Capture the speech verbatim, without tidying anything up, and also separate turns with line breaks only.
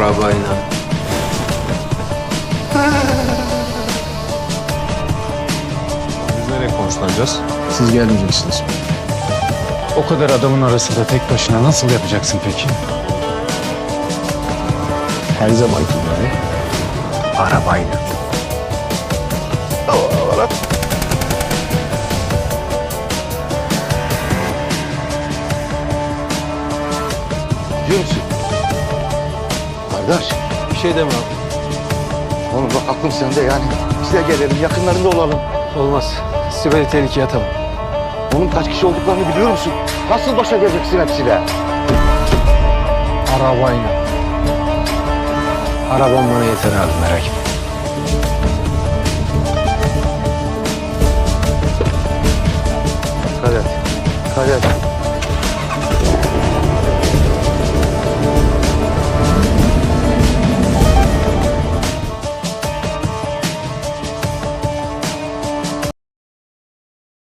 Arabayla.
Biz nereye konuşlanacağız?
Siz gelmeyeceksiniz.
O kadar adamın arasında tek başına nasıl yapacaksın peki?
Her zamanki gibi. Arabayla.
Diyor musun? Kardeş,
Bir şey deme abi.
oğlum bak aklım sende yani. Biz de gelelim, yakınlarında olalım.
Olmaz. Sibel'i tehlikeye atamam.
Oğlum kaç kişi olduklarını biliyor musun? Nasıl başa geleceksin hepsiyle?
Arabayla. Arabam bana yeter abi, merak etme.
Kader, Kader.